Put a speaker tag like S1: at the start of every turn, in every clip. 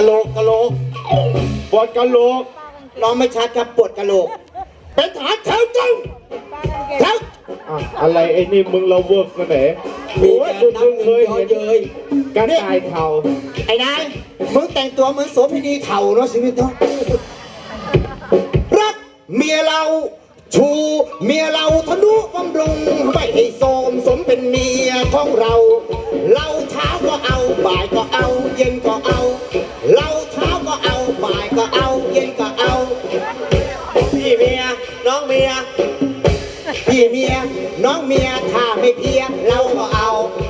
S1: โหลก
S2: ปวดกะโหลก
S1: น้องไม่ชัดครับปวดกะโหลกเป็นทหารแถวตรงแถว
S2: อะไรไอ้นี่มึงเราเวิร์กมาไหนโอ้ยมึงเคยเห็นเลยการตายเข่า
S1: ไอ้นายมึงแต่งตัวเหมือนโสเภณีเถ่าเนาะชีวิตเนาะรักเมียเราชูเมียเราทนุบำรุงไม่ให้โสมสมเป็นเมียของเราเราเช้าก็เอาบ่ายก็เอาเย็นก็เอาเราเช้าก็เอาบ่ายก็เอาเย็นก็เอาพี่เมียน้องเมียพี่เมียน้องเมียถ้าไม่เพียงเราก็เอา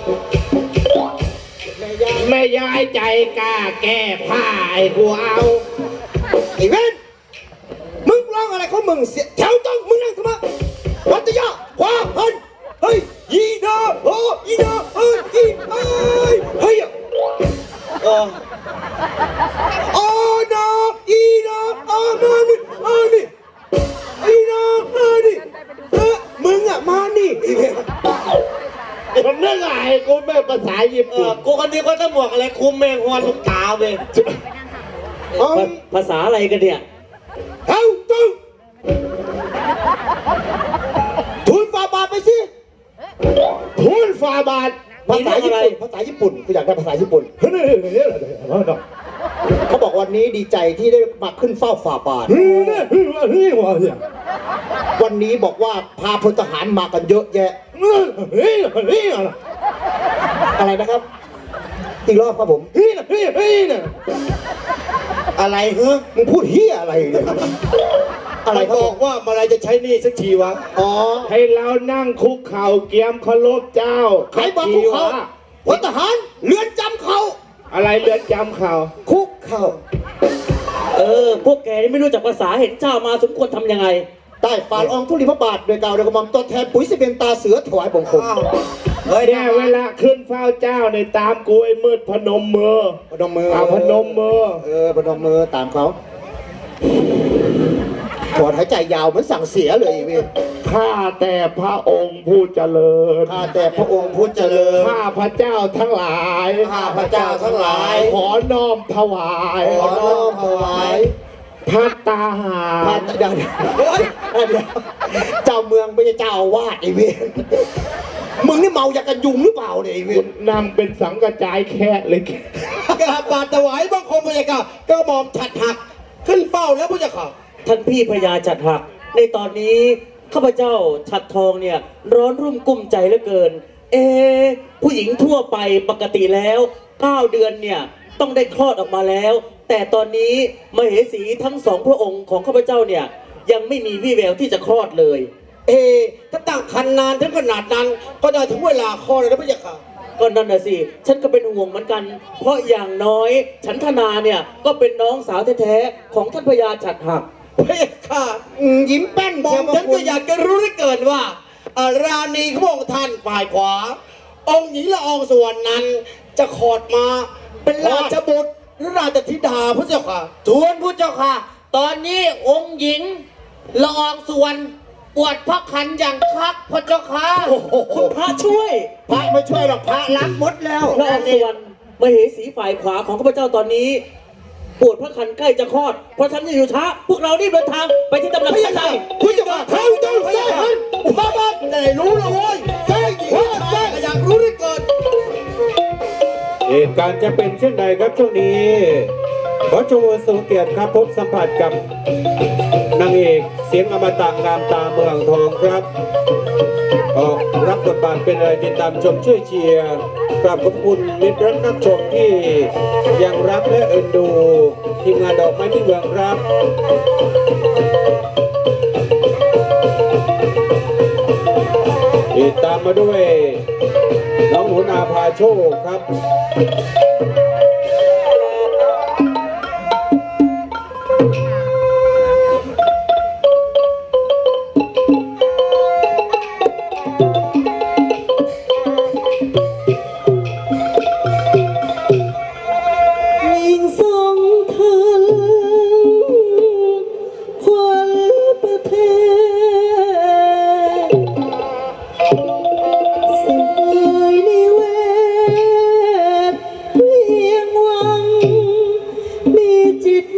S2: แม่ยายใจกล้าแก้ผ้าไอ้กูเอา
S1: ไอ้เว้นมึงร้องอะไรของมึงเสียแถวต้องมึงนั่งทำไมวัตยาขวาหันเฮ้ยยีนาโอ้ยีนาเฮ้ยยีเฮ้ยเฮ้ยโอ้นาอีนามานี่อีนามานี่มึงอะมานี่
S2: ผมนึกไงกูแม่ภาษาญี่ปุ่น
S1: กูคนนี้ก็จะหมวกอะไรคุมแมงวันลูกตาเลย
S3: ภาษาอะไรกันเนี่ย
S1: เฮ้ยตึ้งทูลฟาบาทไปสิ
S2: ทูลฟาบาท
S1: ภาษาญี่ปุ่นกูอยากได้ภาษาญี่ปุ่นเขาบอกวันนี้ดีใจที่ได้มาขึ้นเฝ้าฝ่าบาทวันนี้บอกว่าพาพลทหารมากันเยอะแยะอะไรนะครับอีกรอบครับผมอะไรเฮ้ยมึงพูดเฮียอะไรเนี่ยอะไรบอกว่าเมื่อไรจะใช้นี่สักทีวะอ๋อ
S2: ให้เรานั่งคุกเข่าเกียมเคารพเจ้า
S1: ใครบอกคุกเข่าพลทหารเรือนจำเขา
S2: อะไรเรือนจำเข่า
S1: คุกเข่า
S3: พวกแกนี่ไม่รู้จักภาษาเห็นเจ้ามาสมควรทำยังไง
S1: ใต้ฝ่าละอองธุลีพระบาทโดยกล่าวโดยกระหม่อมตัวแทนปุ๋ยสิเป็นตาเสือถวายบังคม
S2: เนี่ยเวลาขึ้นเฝ้าเจ้าในตามกูไอ้มืดพนมมือ
S1: พนมมือ
S2: พนมมือ
S1: พนมมือตามเขาถอนหายใจยาวเหมือนสั่งเสียเลยเว้ย
S2: ข้าแต่พระองค์ผู้เจริญ
S1: ข้าแต่พระองค์ผู้เจริญ
S2: ข้าพระเจ้าทั้งหลาย
S1: ข้าพระเจ้าทั้งหลาย
S2: ขอน้อมถวายพัตตาหาร
S1: เดี๋ยวเจ้าเมืองไม่ใช่เจ้าอาวาสไอ้เว้ยมึงนี่เมายากันยุงหรือเปล่าเนี่ยไอ้เว้ย
S2: นั่งเป็นสังกระจายแค่เลย
S1: กราบบาทถวายบังคมพระเจ้าก็หม่อมฉัดหักขึ้นเฝ้าแล้วพระเจ้าค่ะ
S3: ท่านพี่พญาฉัดหักในตอนนี้ข้าพเจ้าฉัดทองเนี่ยร้อนรุ่มกุ้มใจเหลือเกินผู้หญิงทั่วไปปกติแล้ว9 เดือนเนี่ยต้องได้คลอดออกมาแล้วแต่ตอนนี้มเหสีทั้ง2 พระองค์ของข้าพเจ้าเนี่ยยังไม่มีวี่แววที่จะคลอดเลย
S1: ถ้าตั้งครรภ์นานถึงขนาดนั้นก็ได้ถึงเวลาคลอดแล้วนะพระเจ้าค่ะ
S3: ก็นั่นน่ะสิฉันก็เป็นห่วงเหมือนกันเพราะอย่างน้อยฉันธนาเนี่ยก็เป็นน้องสาวแท้ๆของท่านพญาฉัดหัก
S1: พระเจ้าค่ะยิ้มแป้นมองฉันก็อยากจะรู้ได้เกินว่าราณีขององค์ท่านฝ่ายขวาองค์หญิงละอองส่วนนั้นจะขอดมาเป็นราชบุตรหรือราชธิดาพระเจ้าค่ะ
S4: ทูลพระเจ้าค่ะตอนนี้องค์หญิงละอองส่วนปวดพระคันอย่างคักพระเจ้าค่ะ
S3: คุณพระช่วย
S1: พระไม่ช่วยหรอกพระรับหมดแล้ว
S3: ละอองส่วนมเหสีฝ่ายขวาของข้าพเจ้าตอนนี้ปวดพระคันใกล้จะคลอดเพราะฉันจะอยู่ช้าพวกเรารีบเดินทางไปที่ตำหนักท่านได้
S1: คุณจะมาเข้าเจ้าเซ่บ้าได้รู้แล้วโว้ยเซ่หญิงเซ่อยากรู้ได้เกิน
S2: เหตุการณ์จะเป็นเช่นใดครับช่วงนี้ขอชมทรงเกียรติครับพบสัมผัสกับนางเอกเสียงอมตะงามตาเมืองทองครับออกรับบทบาทเป็นอะไรติดตามชมช่วยเชียร์กราบขอบคุณมิตรรักนักชมที่ยังรักและเอ็นดูทีมงานดอกไม้ที่เมืองครับติดตามมาด้วยน้องหนูนาพาโชคครับ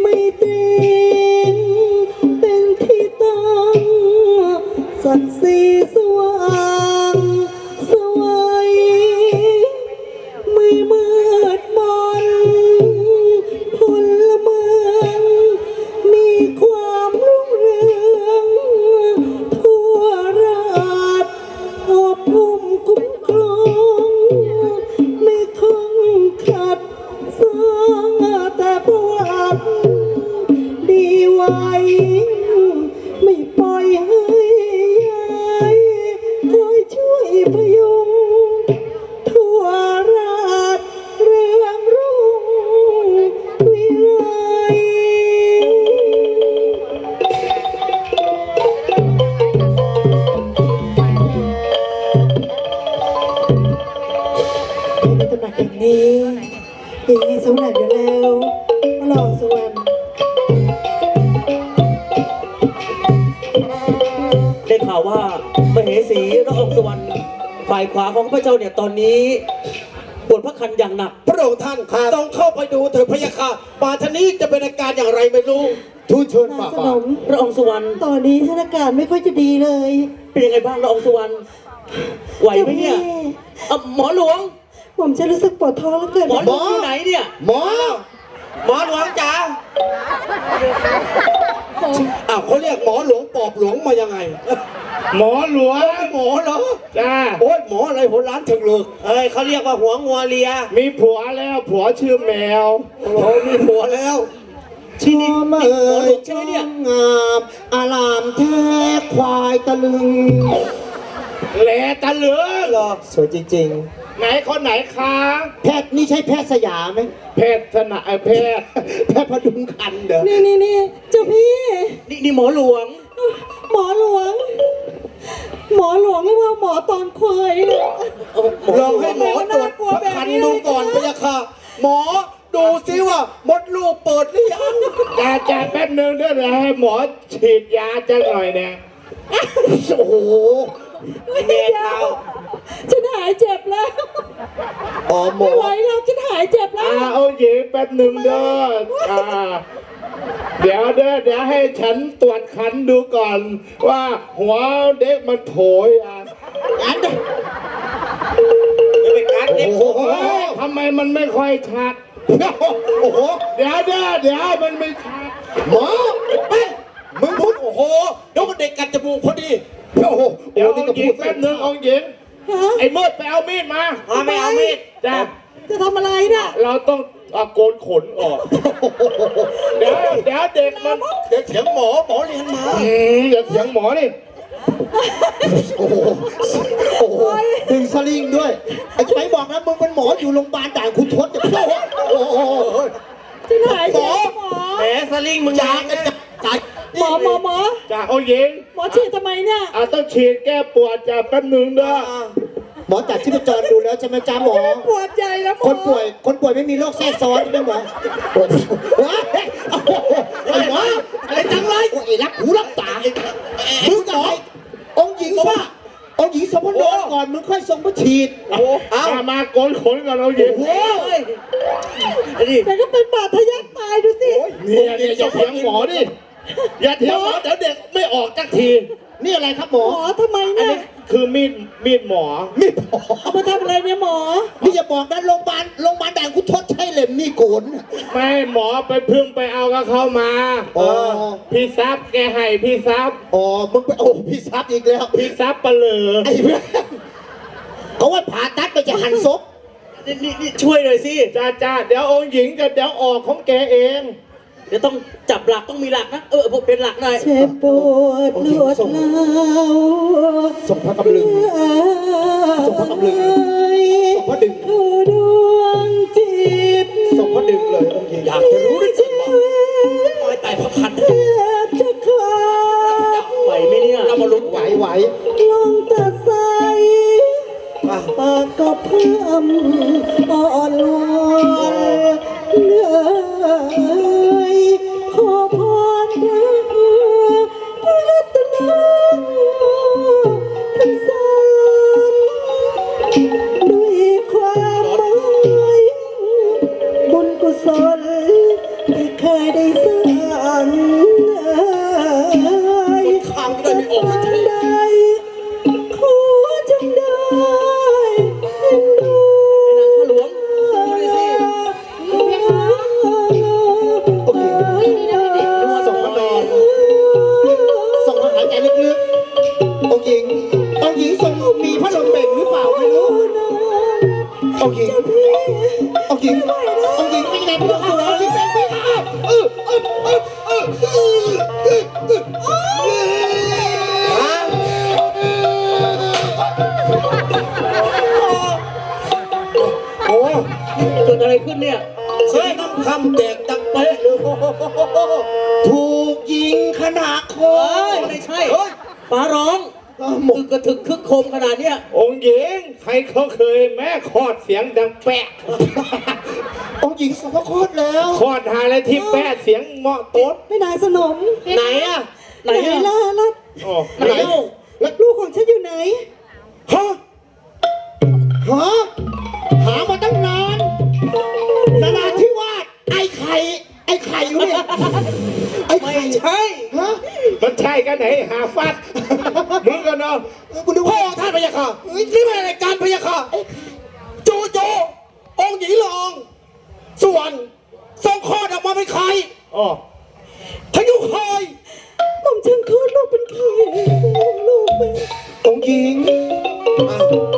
S5: ไม่เตรงเป็นที่ตั้งสัตย์สีสว่างสวัยไม่มืดมนพลเมืองมีความรุ่งเรืองทั่วราชอบอุ้มคุ้มครองไม่คงขัดสร้างแต่ประวัติดีไว้ไม่ปล่อยให้ยายคอยช่วยพยุงทั่วราชเรืองรุ่งวิไล ในตำหนักแห่งนี้มีสวรรค์อยู่แล้วพระรองสวรรค์
S3: ได้ข่าวว่ามเหสีละอองสวรรค์ฝ่ายขวาของพระเจ้าเนี่ยตอนนี้ปวดพระคันอย่างหนัก
S1: พระองค์ท่านต้องเข้าไปดูเถิดพะยะค่ะป่าชนี้จะเป็นอาการอย่างไรไม่รู้ทูลเชิญ
S5: นาง
S1: ป่า
S5: สนม
S3: พระองค์สวรรค์
S5: ตอนนี้สถานการณ์ไม่ค่อยจะดีเลย
S3: เป็นยังไงบ้างละอองสวรรค์ไหวไหมเนี่ยหมอหลวง
S5: ผมจะรู้สึกปวดท้องแล้วเกิน
S3: หมอหลวงอยู่ไหนเนี่ย
S1: หมอ
S4: หมอหลวงจ๋า
S1: อ้าวเขาเรียกหมอหลวงปอบหลวงมายังไง
S2: หมอหลวง
S1: หมอเหรอ
S2: จ้า
S1: โอ้ยหมออะไรหัวล้านถึงเลิก
S4: เอ้ยเขาเรียกว่าหัวงัวเลีย
S2: มีผัวแล้วผัวชื่อแมว
S1: โอ้โหมีผัวแล้ว
S3: ที่นี่
S1: หมอ
S3: หมอหลวงใช่ไหมเนี่ย
S1: งามอารามแท้ควายตะลึง
S2: แหลตะเหลือ
S1: เหรอสวยจริง
S2: ไหนคนไหนคะ
S1: ๆ แพทย์นี่ใช่แพทย์สยามไหม
S2: แพทย์สนะแพทย์
S1: แพทย์พดุงคันเด้อ
S5: นี่เจ้าพี่
S3: นี่หมอหลวง
S5: หมอหลวง หมอหลวงเรียกว่าหมอตอนควายอะ
S1: ลองให้หมอตรวจพระคันดูก่อนพะยะค่ะ หมอดูซิว่ามดลูกเปิดหรือยัง
S2: จ่าแป๊บนึงด้วยนะให้หมอฉีดยาจะหน่อยนะ
S1: โอ้โห
S3: แม่เท้า
S5: ฉันหายเจ็บแล้ว
S1: อ๋อหม
S5: ไม่
S1: อ
S5: ไหวแล้วฉันหายเจ็บแล้ว
S2: เอาหญิงแป๊บนึงเด้อเดี๋ยวให้ฉันตรวจคันดูก่อน ว่าหัวเด็กมันโผล่อ่ะ
S1: อัน
S4: จะไปกัดเด็ก
S1: โอ้โห
S2: เฮ้ยทำไมมันไม่ค่อยชัด
S1: โอ้โห
S2: เดี๋ยวมันไม่ชัด
S1: หมอเอ้ยมึงพูดโอ้โหเดี๋ยวก็เด็กกัดจมูกพอดี โอ้โห
S2: เดี๋ยว
S1: นี่
S2: เอา
S1: ก็
S2: หญิ
S1: พู
S2: ง
S1: ด
S2: แป๊บนึงเอาหญิง
S5: ฮะ
S2: ไอ้มืดไปเอามีดมา
S4: ไม่เอามีด
S2: จ้า
S5: จะทำอะไรน่ะ
S2: เราต้องเอาโกนขนออก เดี๋ยวเด็กมัน
S1: เดี๋ยวเถียงหมอเรียนมา
S2: อย่าเถียงหมอดิ
S1: โอ้โหโอ้โหดึงสลิงด้วยไอ้ไหนบอกนะมึงเป็นหมออยู่โรงพยาบาลด่านคุณทศจะโอ้โห
S5: ฉันหายเจ็บหมอ
S4: แหมสลิงมึง
S1: จา
S4: ยาง
S1: กัน
S4: นะ
S1: จ่าย
S5: หมอ
S2: จ้าเอาหญิง
S5: หมอฉีดทำไมเนี่ย
S2: ต้องฉีดแก้ปวดจ้าแป๊บนึงเด้อ
S1: หมอจัดชีพจรดูแล้วใช่ไหมจ้าหมอ
S5: ปวดใจแล้วหมอ
S1: คนป่วยไม่มีโรคแทรกซ้อนใช่ไหมหมอว้ายไอ้หมออะไรจังเลยโอ้ยรักหูรักตามึงกับองค์หญิงป่ะองค์หญิงสมพนก่อนมึงค่อยทรงพระฉีดเอา
S2: มาโกนขนก่อนเอาหญิง
S1: โอ้ย
S5: แต่ก็เป็นบาดทะยักตายดูสิ
S2: เนี่ยอย่าเถียงหมอดิอย่าเถียงหมอเดี๋ยวเด็กไม่ออกสักที
S1: นี่อะไรครับหมอ
S5: หมอทำไม
S2: อัน
S5: เนี่ย
S2: นี้คือมีดหมอ
S1: นี่หมอ
S5: เอามาทำอะไรเนี่ยหมอ
S1: นี่อย่าบอกนะโรงพยาบาลด่านคุณทศใช่เล่มนี่โกน
S2: ไม่หมอไปเพิ่งไปเอากับเขามา
S1: อ๋อ
S2: พี่ซับแกให้พี่ซับ
S1: อ๋อมึงไปโอ้พี่ซับอีกแล้ว
S2: พี่ซับปะเหลือ
S1: ไอ้เพื่อนเขาว่าผ่าตัดไปจะหั่นศพ
S3: นี่ช่วยหน่อยสิ
S2: จ้าเดี๋ยวองค์หญิงกับเดี๋ยวออกของแกเอง
S3: เดี๋ยวต้องจับหลักต้องมีหลักนะผมเป็นหลักหน่อย
S5: เจ็บปวดรวดร้าว
S1: ส่งพระกำลึง ส่งพระกำลึง ส่งพระดึง
S5: ดวงจิต
S1: ส่งพระดึงเลยองค์หญิงอยากจะรู้ด้วยสิว่า
S3: ตายแต่พระคัน
S5: แทบจะขาด
S3: ไหวไหมเนี่ย
S1: เรามาลุ้นไหว
S5: ลงตัดใสปากก็เพิ่มอ่อนวอนเหนื่อยขอพรพระรัตนพระสารด้วยความหมายบุญกุศลที่เคยได้สร้า
S1: โอ้
S3: เกิดอะไรขึ้นเนี่ย
S1: เสียงน้ำคำแตกดังเป๊ะเลยถูกยิงขนาดคอ
S3: ไม่ใช่ฟ้าร้องมึงกระถึกคึกโคมขนาดเนี้ย
S2: องค์หญิงใครเขาเคยแม่คลอดเสียงดังแปะ
S1: องค์หญิงสมรคตแล้ว
S2: คลอดหาอะไรที่แปะเสียงเหมาะโต๊ด
S5: ไม่นายสนม
S4: ไหนอะ
S3: ไหนอะ
S5: ล่ะล่ะ
S2: อ๋อ
S4: ไหนเล่า
S5: แล้วลูกของฉันอยู่ไหน
S1: ฮะฮะหามาตั้งนานนาราธิวาสไอ้ไข่อยู่เนี่ยไอ้ไข่
S3: ไม่ใช่
S1: ฮะ
S2: มันใช่กันไหนหาฟัดมึงกันเนาะ
S1: คุณดูพ่อท่านพยาค่ะนี่เป็นรายการพยาค่ะโจโจองค์หญิงละอองส่วนทรงคลอดออกมาเป็นใคร
S2: อ๋อ
S1: พยุคอย
S5: หม่อมฉันคลอดลูกเป็นใครลูกเป็น
S1: องค์หญิง